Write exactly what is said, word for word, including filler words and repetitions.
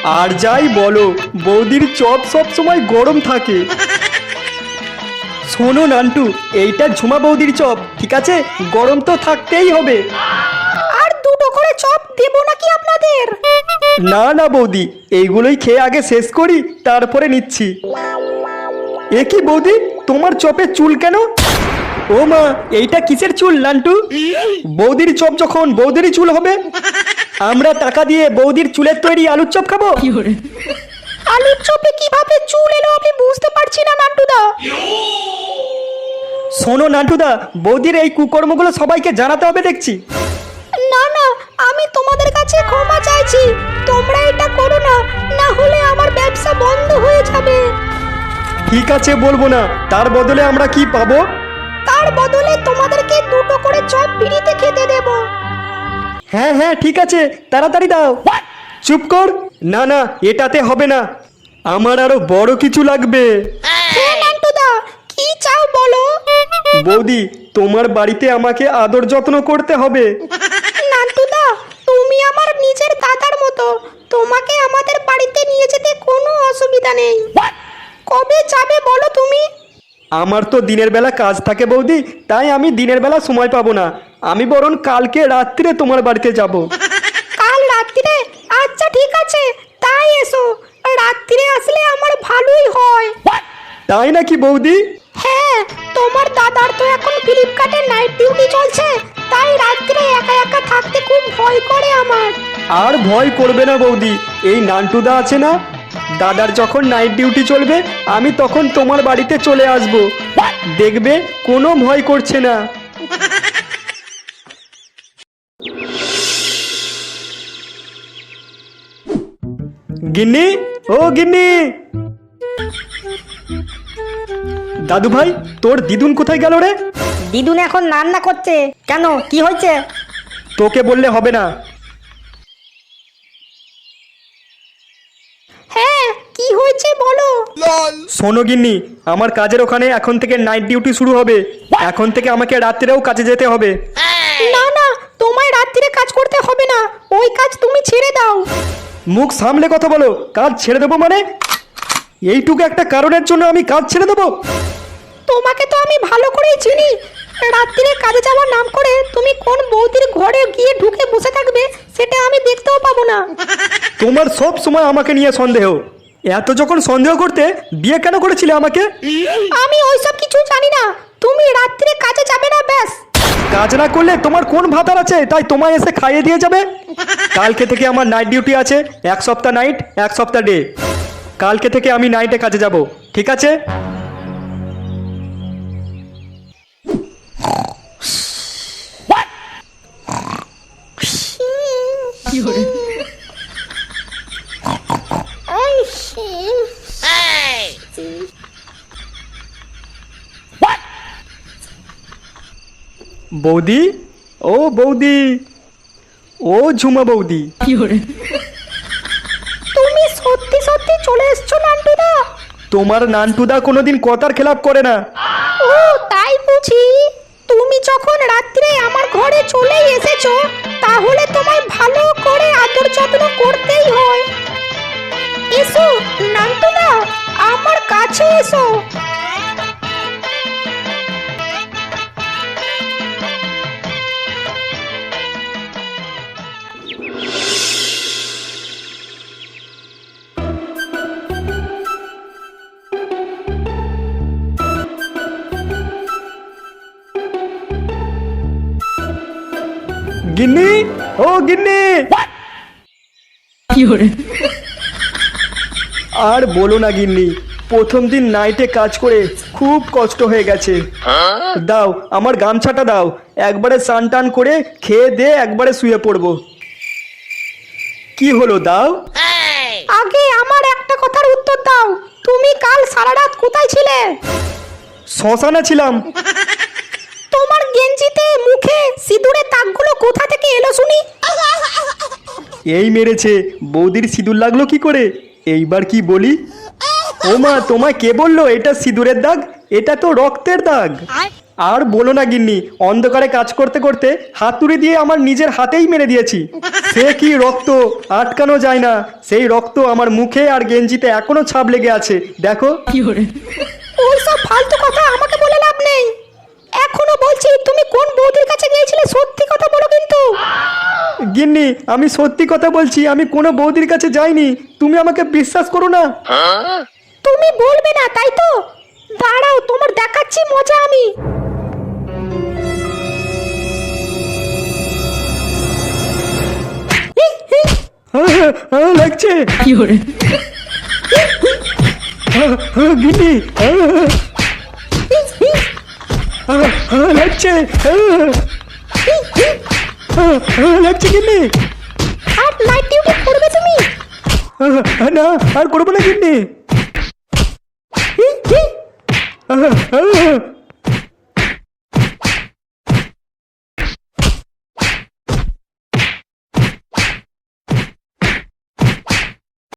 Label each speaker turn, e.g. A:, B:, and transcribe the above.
A: আর যাই বলো বৌদির চপ সব সময় গরম থাকে। শোনো নান্টু, এইটা ঝুমা বৌদির চপ, ঠিক আছে? গরম তো থাকতেই হবে।
B: আর দুটো করে চপ দেবো নাকি আপনাদের?
A: না না বৌদি, এইগুলোই খেয়ে আগে শেষ করি, তারপরে নিচ্ছি। এ কি বৌদি, তোমার চপে চুল কেন? ও মা, এইটা কিসের চুল নান্টু? বৌদির চপ যখন বৌদিরই চুল হবে। আমরা টাকা দিয়ে বৌদির চুলের তৈরি আলুর চপ খাবো?
B: আলুর চপে কিভাবে চুল এলো আমি বুঝতে পারছি না নান্টুদা।
A: শোনো নান্টুদা, বৌদির এই কুকর্মগুলো সবাইকে জানাতে হবে দেখছি।
B: না না, আমি তোমাদের কাছে ক্ষমা চাইছি, তোমরা এটা করো না, না হলে আমার ব্যবসা বন্ধ হয়ে যাবে।
A: ঠিক আছে, বলবো না। তার বদলে আমরা কি পাবো?
B: তার বদলে তোমাদেরকে দুটো করে চপ ফ্রিতে খেতে দেব।
A: হ্যাঁ হ্যাঁ ঠিক আছে, তাড়াতাড়ি দাও। চুপ কর। না না, এটাতে হবে না, আমার আরো বড় কিছু লাগবে।
B: হ্যাঁ নান্টুদা, কি চাও বলো।
A: বৌদি, তোমার বাড়িতে আমাকে আদর যত্ন করতে হবে।
B: নান্টুদা, তুমি আমার নিজের দাদার মতো, তোমাকে আমাদের বাড়িতে নিয়ে যেতে কোনো অসুবিধা নেই। কবে যাবে বলো তুমি?
A: আমার তো দিনের বেলা কাজ থাকে বৌদি, তাই আমি দিনের বেলা সময় পাবো না। আমি বরং কালকে রাত্রিরে তোমার বাড়িতে যাব।
B: কাল রাত্রিরে? আচ্ছা ঠিক আছে, তাই এসো। রাত্রিরে আসলে আমার ভালোই হয়।
A: তাই নাকি বৌদি?
B: হ্যাঁ, তোমার দাদার তো এখন ফ্লিপকার্টে নাইট ডিউটি চলছে, তাই রাত্রে একা একা থাকতে খুব ভয় করে আমার।
A: আর ভয় করবে না বৌদি, এই নান্টুদা আছে না, দাদার যখন নাইট ডিউটি চলবে আমি তখন তোমার বাড়িতে চলে আসব, দেখবে কোনো ভয় করছে না। গিন্নি, ও গিন্নি। দাদু ভাই, তোর দিদুন কোথায় গেল রে?
C: দিদুন এখন রান্না করছে। কেন, কি হয়েছে?
A: তোকে বললে হবে না।
B: হ্যাঁ, কি হয়েছে বলো।
A: শোনো গিন্নি, আমার কাজের ওখানে এখন থেকে নাইট ডিউটি শুরু হবে। এখন থেকে আমাকে রাত্রেও কাজে যেতে হবে।
B: না না, তোমায় রাত্রিরে কাজ করতে হবে না, ওই কাজ তুমি ছেড়ে দাও।
A: মুখ সামলে কথা বলো। কাজ ছেড়ে দেবো মানে? এইটুকু একটা কারণের জন্য আমি কাজ ছেড়ে দেবো?
B: তোমাকে তো আমি ভালো করেই চিনি, রাত্রিরে কাজে যাওয়ার নাম করে তুমি কোন বৌদির ঘরে গিয়ে ঢুকে বসে থাকবে সেটা আমি দেখতেও পাবো না।
A: তোমার সব সময় আমাকে নিয়ে সন্দেহ। এত যখন সন্দেহ করতে, বিয়ে কেন করেছিলে আমাকে?
B: আমি ওইসব কিছু জানি না, তুমি রাত্রিরে কাজে যাবে না ব্যাস।
A: কাজ না করলে তোমার কোন ভাতার আছে তাই তোমায় এসে খাইয়ে দিয়ে যাবে? কালকে থেকে আমার নাইট ডিউটি আছে, এক সপ্তাহ নাইট এক সপ্তাহ ডে। কালকে থেকে আমি নাইটে কাজে যাব, ঠিক আছে? বৌদি, ও বৌদি, ও ঝুমা বৌদি।
B: তুমি সত্যি সত্যি চলে এসছো নান্টুদা?
A: তোমার নান্টুদা কোনোদিন কথার খেলাপ করে না।
B: ও তাই বুঝি। তুমি যখন রাত্রে আমার ঘরে চলে এসেছো, তাহলে তোমায় ভালো করে আদর যত্ন করতেই হয়। এসো নান্টুদা, আমার কাছে এসো।
A: গিন্নি, ও গিন্নি। আর বলো না গিন্নি, প্রথম দিন নাইটে কাজ করে খুব কষ্ট হয়ে গেছে। দাও আমার গামছাটা দাও, একবারে স্নান টান করে খেয়ে দে একবারে শুয়ে পড়বো। কি হলো, দাও।
B: আগে আমার একটা কথার উত্তর দাও, তুমি কাল সারা রাত কোথায় ছিলে?
A: শ্মশানে ছিলাম।
B: তোমার গেঞ্জিতে মুখে সিঁদুরের দাগগুলো কোথা থেকে এলো শুনি?
A: এই মেরেছে, বৌদির সিঁদুর লাগলো কি করে? এইবার কি বলি? ও মা, তোমায় কে বললো এটা সিঁদুরের দাগ? এটা তো রক্তের দাগ। আর বলো না গিন্নি, অন্ধকারে কাজ করতে করতে হাতুড়ি দিয়ে আমার নিজের হাতেই মেরে দিয়েছি। সে কি রক্ত, আটকানো যায় না। সেই রক্ত আমার মুখে আর গেঞ্জিতে এখনো ছাপ লেগে আছে, দেখো।
B: ওইসব ফালতু কথা আমাকে বলে লাভ নেই। এখনো বলছি তুমি কোন বৌদির কাছে গিয়েছিলে, সত্যি কথা বলো কিন্তু।
A: গিন্নি, আমি সত্যি কথা বলছি, আমি কোনো বৌদির কাছে যাইনি। তুমি আমাকে বিশ্বাস করো না।
B: তুমি বলবে না তাই তো, দাঁড়াও তোমার দেখাচ্ছি মজা আমি।
A: হ্যাঁ, হ্যাঁ, হ্যাঁ, লাগছে। হ্যাঁ, হ্যাঁ, গিন্নি, হ্যাঁ, হ্যাঁ, হ্যাঁ, হ্যাঁ, লাগছে। হ্যাঁ, হ্যাঁ, হ্যাঁ, লাগছে গিন্নি।
B: আর নাইট ডিউটি করবে তুমি?
A: হ্যাঁ, হ্যাঁ, না আর করবো না গিন্নি। হ্যাঁ, হ্যাঁ, হ্যাঁ,